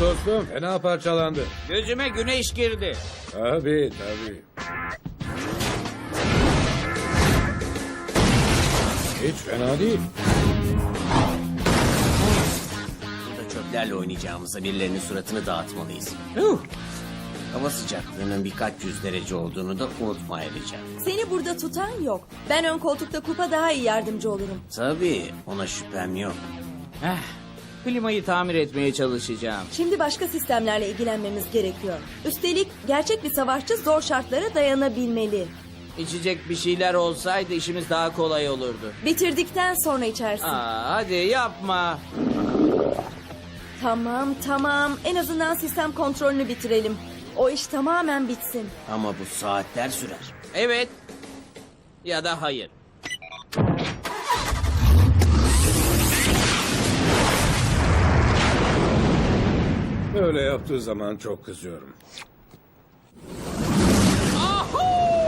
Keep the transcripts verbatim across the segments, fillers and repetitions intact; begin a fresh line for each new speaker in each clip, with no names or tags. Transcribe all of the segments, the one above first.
dostum, fena parçalandı.
Gözüme güneş girdi.
Tabii tabii. Hiç fena değil.
Burada çöplerle oynayacağımıza birilerinin suratını dağıtmalıyız. Hava sıcaklığının birkaç yüz derece olduğunu da unutma ayrıca.
Seni burada tutan yok. Ben ön koltukta Kupa daha iyi yardımcı olurum.
Tabii ona şüphem yok.
Eh, klimayı tamir etmeye çalışacağım.
Şimdi başka sistemlerle ilgilenmemiz gerekiyor. Üstelik gerçek bir savaşçı zor şartlara dayanabilmeli.
İçecek bir şeyler olsaydı işimiz daha kolay olurdu.
Bitirdikten sonra içersin.
Aa, hadi yapma.
Tamam tamam. En azından sistem kontrolünü bitirelim. O iş tamamen bitsin.
Ama bu saatler sürer.
Evet ya da hayır.
Böyle yaptığı zaman çok kızıyorum.
Ahu!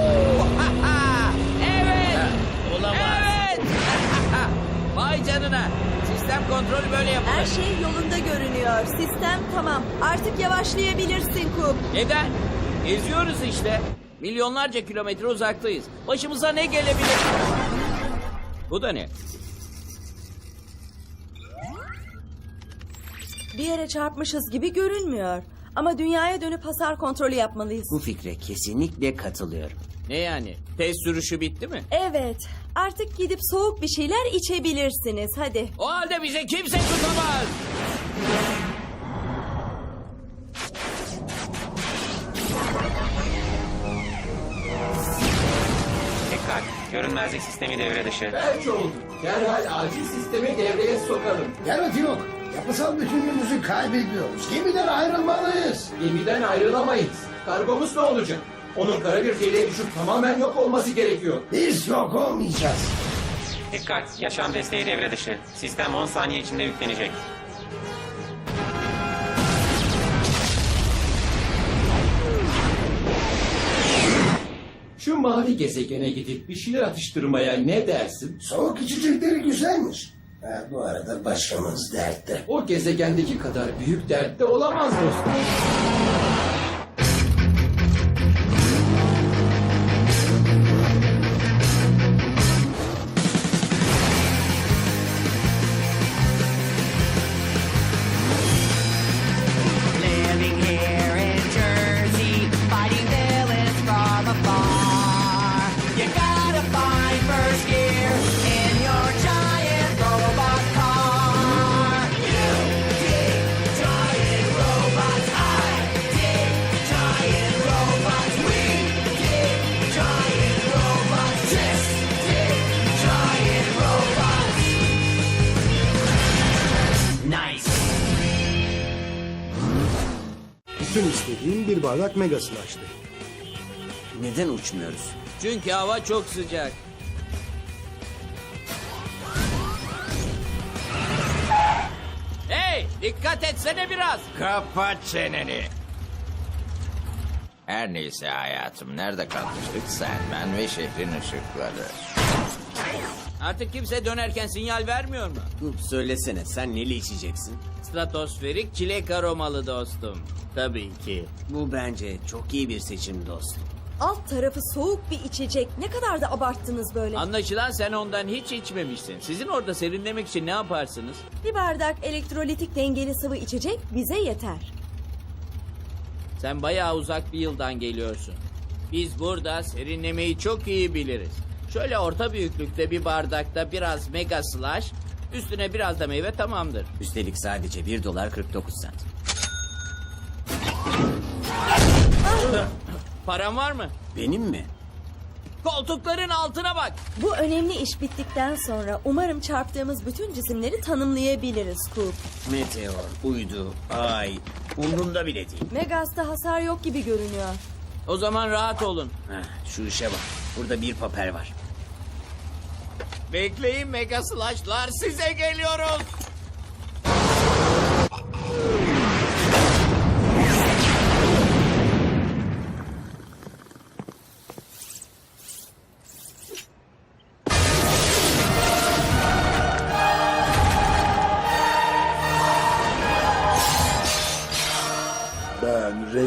Evet.
Olamaz.
Evet. Vay canına. Sistem kontrolü böyle
Her
yapılır.
şey yolunda görünüyor. Sistem tamam. Artık yavaşlayabilirsin Kup.
Neden? Geziyoruz işte. Milyonlarca kilometre uzaktayız. Başımıza ne gelebilir? Bu da ne?
Bir yere çarpmışız gibi görünmüyor. Ama dünyaya dönüp hasar kontrolü yapmalıyız.
Bu fikre kesinlikle katılıyorum.
Ne yani? Test sürüşü bitti mi?
Evet. Artık gidip soğuk bir şeyler içebilirsiniz. Hadi.
O halde bize kimse tutamaz.
Dikkat! Görünmezlik sistemi devre dışı.
Belki oldu. Derhal acil sistemi devreye sokalım.
Yanıt yok. Yapısal bütünlüğümüzü kaybediyoruz. Gemiden ayrılmalıyız.
Gemiden ayrılamayız. Kargomuz ne olacak? Onun kara bir deliğe düşüp tamamen yok olması gerekiyor.
Biz yok olmayacağız.
Dikkat! Yaşam desteği devre dışı. Sistem on saniye içinde yüklenecek.
Şu mavi gezegene gidip bir şeyler atıştırmaya ne dersin?
Soğuk içecekleri güzelmiş. Ha, bu arada başımız dertte.
O gezegendeki kadar büyük dertte olamaz dostum.
Living here in Jersey, fighting villains from afar. You gotta find first gear in your giant robot car. You dig giant robots, I dig giant robots, we dig giant robots, just dig giant robots. Nice.
Bütün istediğim bir bardak mega slash'tı.
Neden uçmuyoruz?
Çünkü hava çok sıcak. Hey, dikkat etsene biraz.
Kapat çeneni. Her neyse hayatım, nerede kalmıştık? Sen, ben ve şehrin ışıkları.
Artık kimse dönerken sinyal vermiyor mu?
Kup söylesene sen neli içeceksin?
Stratosferik çilek aromalı dostum. Tabii ki.
Bu bence çok iyi bir seçim dostum.
Alt tarafı soğuk bir içecek. Ne kadar da abarttınız böyle.
Anlaşılan sen ondan hiç içmemişsin. Sizin orada serinlemek için ne yaparsınız?
Bir bardak elektrolitik dengeli sıvı içecek bize yeter.
Sen bayağı uzak bir yıldan geliyorsun. Biz burada serinlemeyi çok iyi biliriz. Şöyle orta büyüklükte bir bardakta biraz mega slash, üstüne biraz da meyve tamamdır.
Üstelik sadece bir dolar kırk dokuz sent.
Param var mı?
Benim mi?
Koltukların altına bak.
Bu önemli iş bittikten sonra umarım çarptığımız bütün cisimleri tanımlayabiliriz Kup.
Meteor, uydu, ay, umrumda bile değil.
Megas'ta hasar yok gibi görünüyor.
O zaman rahat olun.
Heh, şu işe bak. Burada bir papel var.
Bekleyin mega slash'lar, size geliyoruz.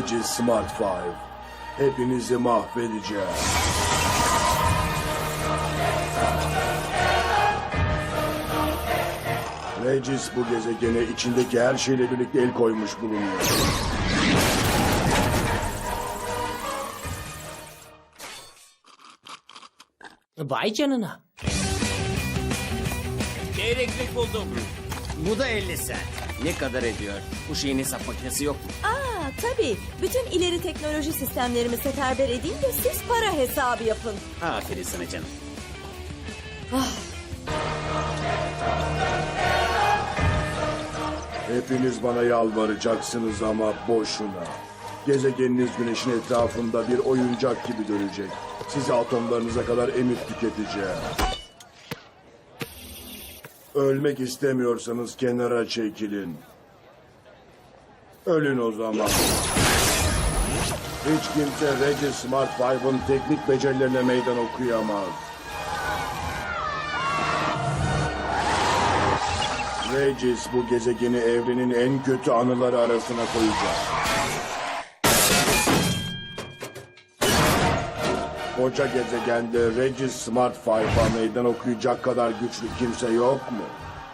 Regis Smart Five. Hepinizi mahvedeceğim. Regis bu gezegene içindeki her şeyle birlikte el koymuş bulunuyor.
Vay canına.
Çeyreklik buldum.
Bu da elli sent. Ne kadar ediyor? Bu şeyin hesap makinesi yok mu?
Aa tabii. Bütün ileri teknoloji sistemlerimi seferber edeyim de siz para hesabı yapın.
Aferin sana canım.
Hepiniz bana yalvaracaksınız ama boşuna. Gezegeniniz güneşin etrafında bir oyuncak gibi dönecek. Sizi atomlarınıza kadar emip tüketeceğim. Ölmek istemiyorsanız kenara çekilin. Ölün o zaman. Hiç kimse Regis Smart Five'ın teknik becerilerine meydan okuyamaz. Regis bu gezegeni evrenin en kötü anıları arasına koyacak. Koca gezegende Regis Smart Five'a meydan okuyacak kadar güçlü kimse yok mu?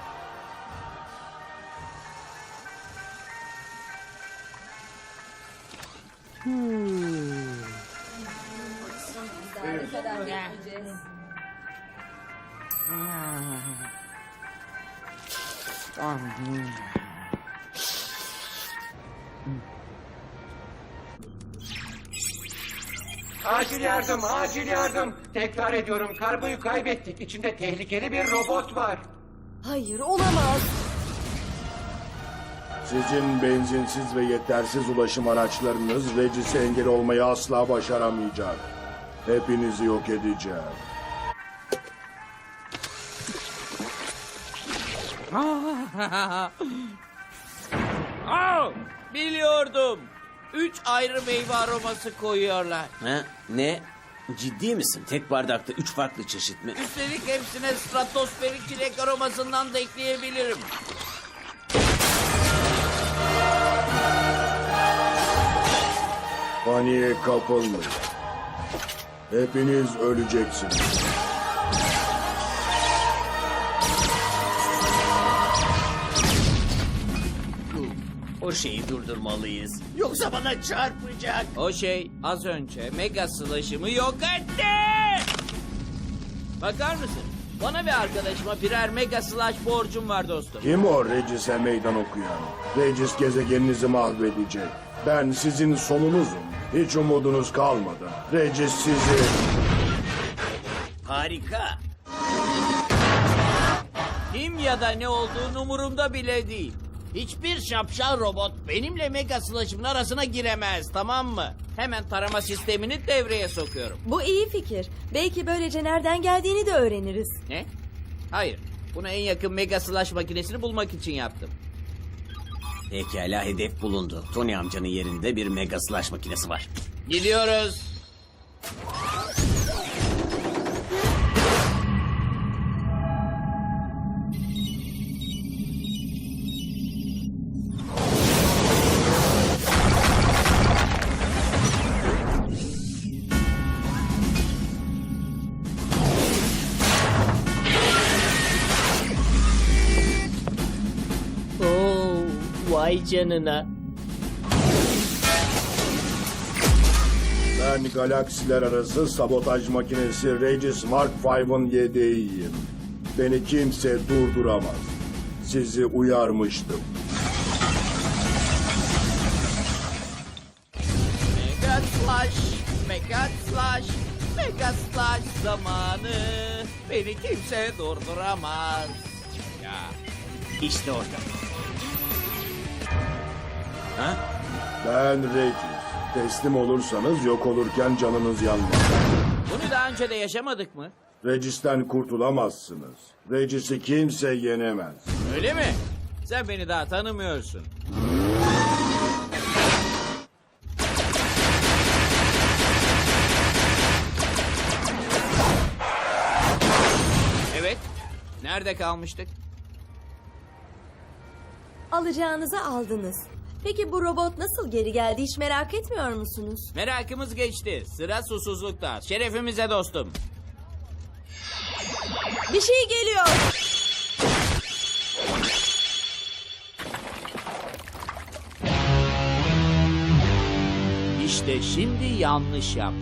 Acil yardım, acil yardım. Tekrar ediyorum, kargoyu kaybettik. İçinde tehlikeli bir robot var.
Hayır olamaz.
Sizin benzinsiz ve yetersiz ulaşım araçlarınız Regis'e engel olmayı asla başaramayacak. Hepinizi yok edeceğim.
Aa, biliyordum. Üç ayrı meyve aroması koyuyorlar.
Ha? Ne? Ciddi misin? Tek bardakta üç farklı çeşit mi?
Üstelik hepsine stratosferik çilek aromasından da ekleyebilirim.
Paniğe kapılmayın. Hepiniz öleceksiniz.
O şeyi durdurmalıyız. Yoksa bana çarpacak.
O şey az önce mega slash'ımı yok etti. Bakar mısın? Bana ve arkadaşıma birer mega slash borcum var dostum.
Kim o Regis'e meydan okuyan? Regis gezegeninizi mahvedecek. Ben sizin sonunuzum. Hiç umudunuz kalmadı. Regis sizi...
Harika.
Kim ya da ne olduğunu umurumda bile değil. Hiçbir şapşal robot benimle mega slash'ımın arasına giremez, tamam mı? Hemen tarama sistemini devreye sokuyorum.
Bu iyi fikir. Belki böylece nereden geldiğini de öğreniriz.
Ne? Hayır. Bunu en yakın mega slash makinesini bulmak için yaptım.
Pekala, hedef bulundu. Tony amcanın yerinde bir mega slash makinesi var.
Gidiyoruz.
Oo, vay canına.
Ben galaksiler arası sabotaj makinesi Regis Mark Five'ın yedeğiyim. Beni kimse durduramaz. Sizi uyarmıştım.
Mega slash, mega slash, mega slash zamanı. Beni kimse durduramaz. Ya.
İşte orada. Ha?
Ben Regis. Teslim olursanız yok olurken canınız yanmaz.
Bunu daha önce de yaşamadık mı?
Regis'ten kurtulamazsınız. Regis'i kimse yenemez.
Öyle mi? Sen beni daha tanımıyorsun. Evet. Nerede kalmıştık?
Alacağınızı aldınız. Peki bu robot nasıl geri geldi hiç merak etmiyor musunuz?
Merakımız geçti. Sıra susuzlukta. Şerefimize dostum.
Bir şey geliyor.
İşte şimdi yanlış yaptı.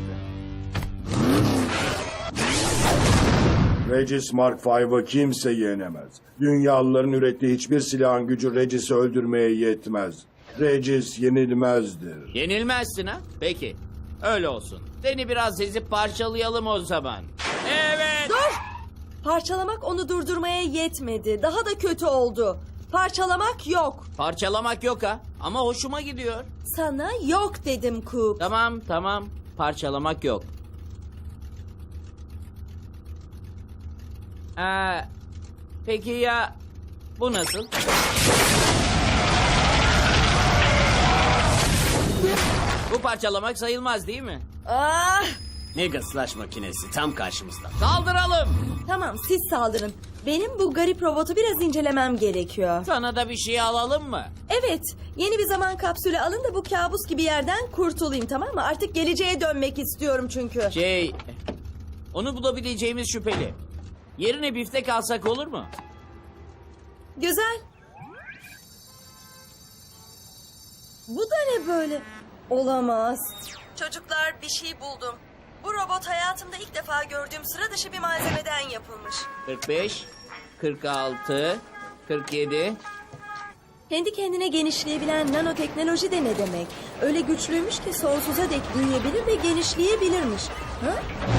Regis Mark V'ı kimse yenemez. Dünyalıların ürettiği hiçbir silahın gücü Regis'i öldürmeye yetmez. Regis yenilmezdir.
Yenilmezsin ha? Peki. Öyle olsun. Seni biraz ezip parçalayalım o zaman. Evet.
Dur! Parçalamak onu durdurmaya yetmedi. Daha da kötü oldu. Parçalamak yok.
Parçalamak yok ha. Ama hoşuma gidiyor.
Sana yok dedim Coop.
Tamam tamam. Parçalamak yok. Ee, peki ya bu nasıl? Bu parçalamak sayılmaz değil mi?
Ah!
Mega Slash makinesi tam karşımızda.
Saldıralım.
Tamam siz saldırın. Benim bu garip robotu biraz incelemem gerekiyor.
Sana da bir şey alalım mı?
Evet, yeni bir zaman kapsülü alın da bu kabus gibi yerden kurtulayım, tamam mı? Artık geleceğe dönmek istiyorum çünkü.
Şey, onu bulabileceğimiz şüpheli. Yerine biftek alsak olur mu?
Güzel. Bu da ne böyle? Olamaz. Çocuklar, bir şey buldum. Bu robot hayatımda ilk defa gördüğüm sıra dışı bir malzemeden yapılmış.
kırk beş, kırk altı, kırk yedi.
Kendi kendine genişleyebilen nanoteknoloji de ne demek? Öyle güçlüymüş ki sonsuza dek büyüyebilir ve genişleyebilirmiş. Ha?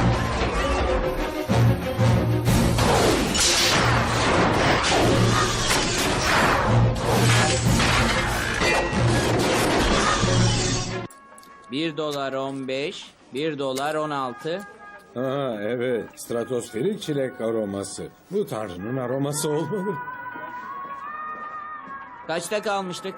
Bir dolar on beş, bir dolar on altı.
Ha evet, stratosferik çilek aroması. Bu tanrının aroması olmalı.
Kaçta kalmıştık?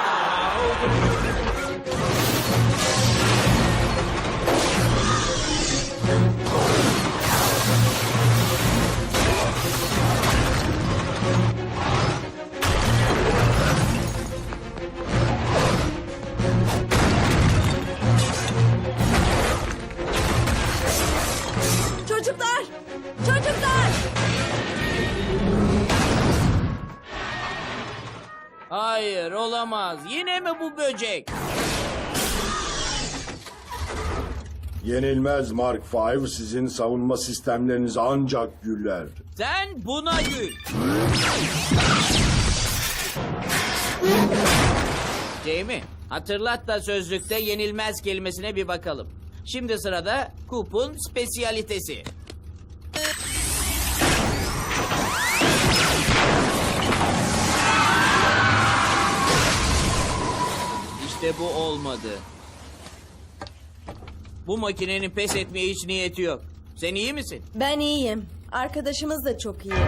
Çocuklar! Çocuklar!
Hayır, olamaz. Yine mi bu böcek?
Yenilmez Mark V sizin savunma sistemlerinizi ancak güller.
Sen buna gül. Jamie, hatırlat da sözlükte yenilmez kelimesine bir bakalım. Şimdi sırada Coop'un spesiyalitesi. İşte bu olmadı. Bu makinenin pes etmeye hiç niyeti yok. Sen iyi misin?
Ben iyiyim. Arkadaşımız da çok iyi.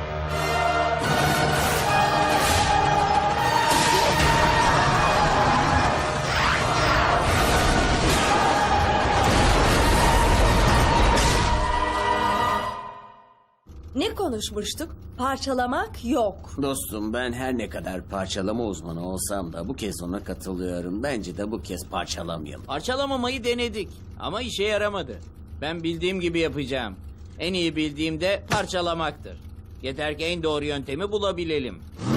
Ne konuşmuştuk? Parçalamak yok.
Dostum ben her ne kadar parçalama uzmanı olsam da bu kez ona katılıyorum. Bence de bu kez parçalamayalım.
Parçalamamayı denedik ama işe yaramadı. Ben bildiğim gibi yapacağım. En iyi bildiğim de parçalamaktır. Yeter ki en doğru yöntemi bulabilelim.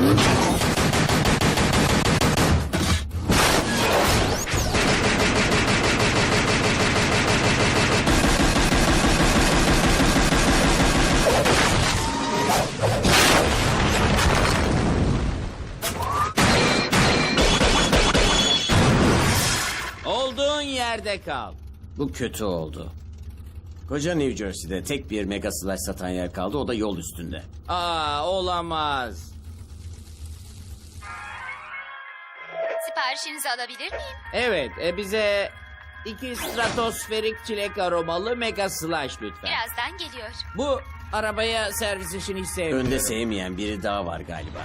Olduğun yerde kal.
Bu kötü oldu. Koca New Jersey'de tek bir Mega Slash satan yer kaldı, o da yol üstünde.
Aa, olamaz.
Siparişinizi alabilir miyim?
Evet, e, bize iki stratosferik çilek aromalı Mega Slash lütfen.
Birazdan geliyor.
Bu arabaya servis işini hiç sevmiyorum.
Önde sevmeyen biri daha var galiba.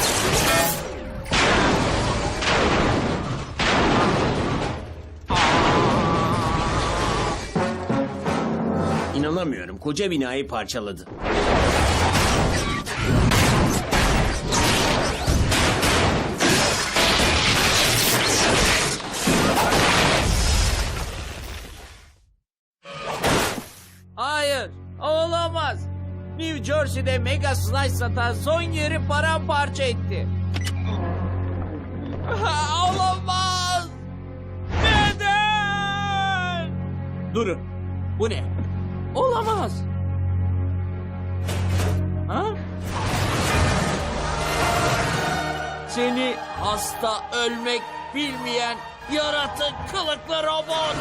İnanamıyorum, koca binayı parçaladı.
Olamaz. New Jersey'de Mega Slice satan son yeri paramparça etti. Ha, olamaz. Neden? Durun. Bu ne? Olamaz. Ha? Seni hasta, ölmek bilmeyen yaratık kılıklı robot.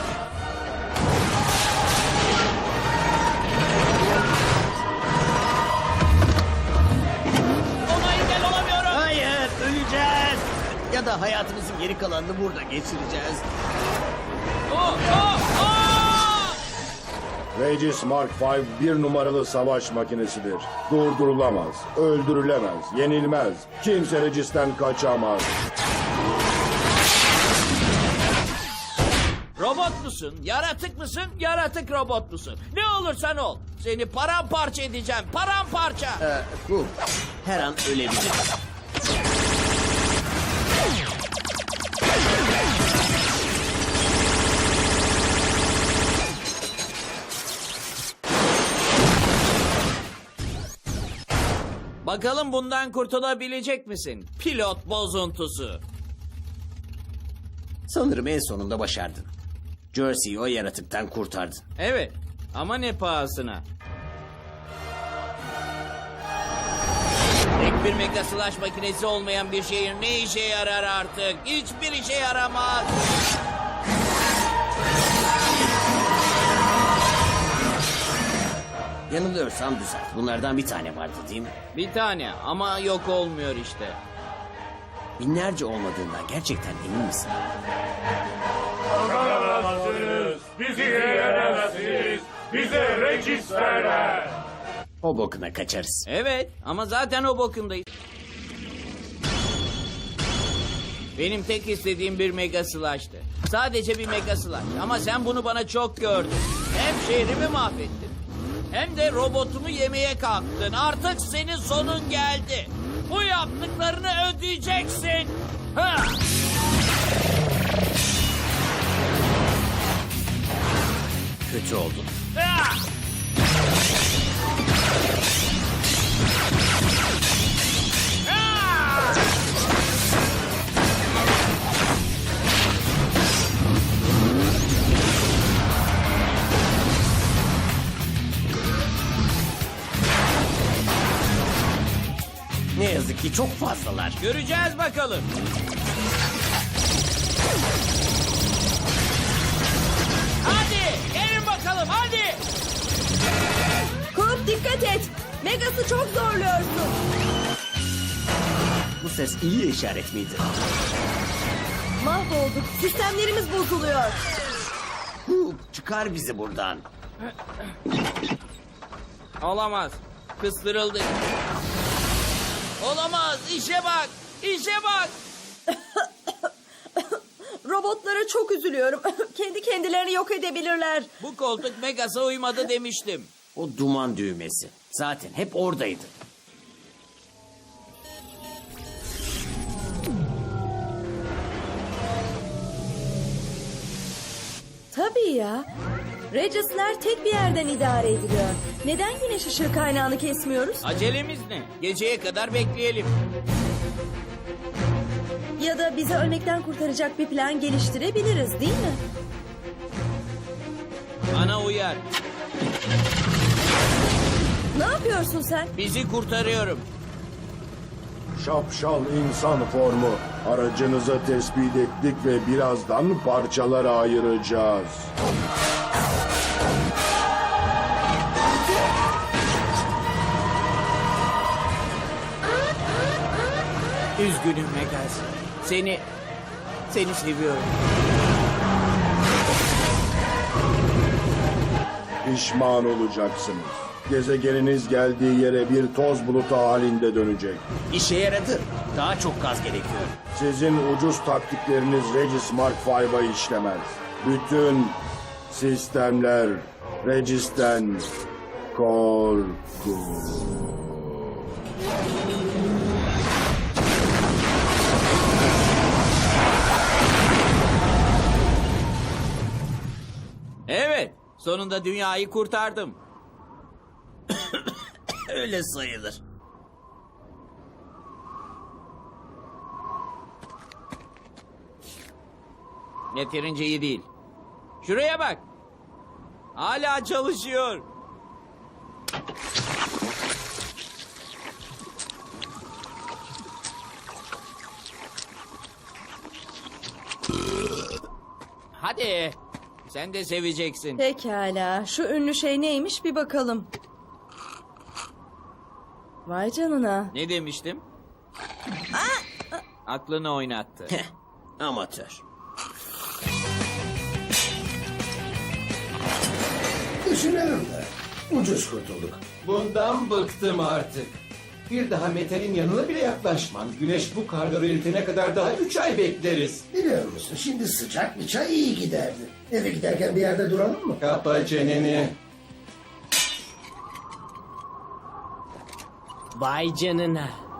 Ona engel olamıyorum.
Hayır, öleceğiz. Ya da hayatımızın geri kalanını burada geçireceğiz.
Oh, oh, oh!
Regis Mark beş bir numaralı savaş makinesidir. Durdurulamaz, öldürülemez, yenilmez. Kimse Regis'ten kaçamaz.
Robot musun? Yaratık mısın? Yaratık robot musun? Ne olursan ol. Seni paramparça edeceğim. Paramparça.
Ee, bu her an ölebilir.
Bakalım bundan kurtulabilecek misin? Pilot bozuntusu.
Sanırım en sonunda başardın. Jersey'yi o yaratıktan kurtardın.
Evet ama ne pahasına? Tek bir mega slash makinesi olmayan bir şehir ne işe yarar artık? Hiçbir işe yaramaz.
Yanılıyorsam düzelt. Bunlardan bir tane vardı değil mi?
Bir tane ama yok olmuyor işte.
Binlerce olmadığından gerçekten emin misin?
Bizi yenemezsiniz. Bize Regis verler.
O bokuna kaçarız.
Evet ama zaten o bokundayız. Benim tek istediğim bir mega slash'tı. Sadece bir mega slash. Ama sen bunu bana çok gördün. Hem şehrimi mahvettin. Hem de robotumu yemeye kalktın. Artık senin sonun geldi. Bu yaptıklarını ödeyeceksin. Ha!
Kötü oldun.
Ha! Ha!
Ne yazık ki çok fazlalar.
Göreceğiz bakalım. Hadi gelin bakalım hadi.
Kup dikkat et. Megas'ı çok zorluyorsun.
Bu ses iyi işaret miydi?
Mahvolduk. Sistemlerimiz bozuluyor.
Hu, çıkar bizi buradan.
Olamaz. Kıstırıldık. Olamaz. İşe bak. İşe bak.
Robotlara çok üzülüyorum. Kendi kendilerini yok edebilirler.
Bu koltuk Megas'a uymadı demiştim.
O duman düğmesi. Zaten hep oradaydı.
Tabii ya. Regis'ler tek bir yerden idare ediliyor. Neden güneş ışığı kaynağını kesmiyoruz?
Acelemiz ne? Geceye kadar bekleyelim.
Ya da bizi ölmekten kurtaracak bir plan geliştirebiliriz değil mi?
Bana uyar.
Ne yapıyorsun sen?
Bizi kurtarıyorum.
Şapşal insan formu. Aracınızı tespit ettik ve birazdan parçalara ayıracağız.
Üzgünüm Megas. Seni, seni seviyorum.
Pişman olacaksınız. Gezegeniniz geldiği yere bir toz bulutu halinde dönecek.
İşe yaradı. Daha çok gaz gerekiyor.
Sizin ucuz taktikleriniz Regis Mark beşe işlemez. Bütün sistemler Regis'ten korkun.
Evet, sonunda dünyayı kurtardım.
Öyle sayılır.
Yeterince iyi değil. Şuraya bak. Hala çalışıyor. Hadi. Sen de seveceksin.
Pekala. Şu ünlü şey neymiş bir bakalım. Vay canına.
Ne demiştim? Aklını oynattı.
Amatör.
Düşünüyorum da. Ucuz kurtulduk.
Bundan bıktım artık. Bir daha metalin yanına bile yaklaşmam. Güneş bu karları eritene kadar daha üç ay bekleriz.
Biliyor musun şimdi sıcak bir çay iyi giderdi. Eve giderken bir yerde duralım mı?
Kapa çeneni.
Vay canına.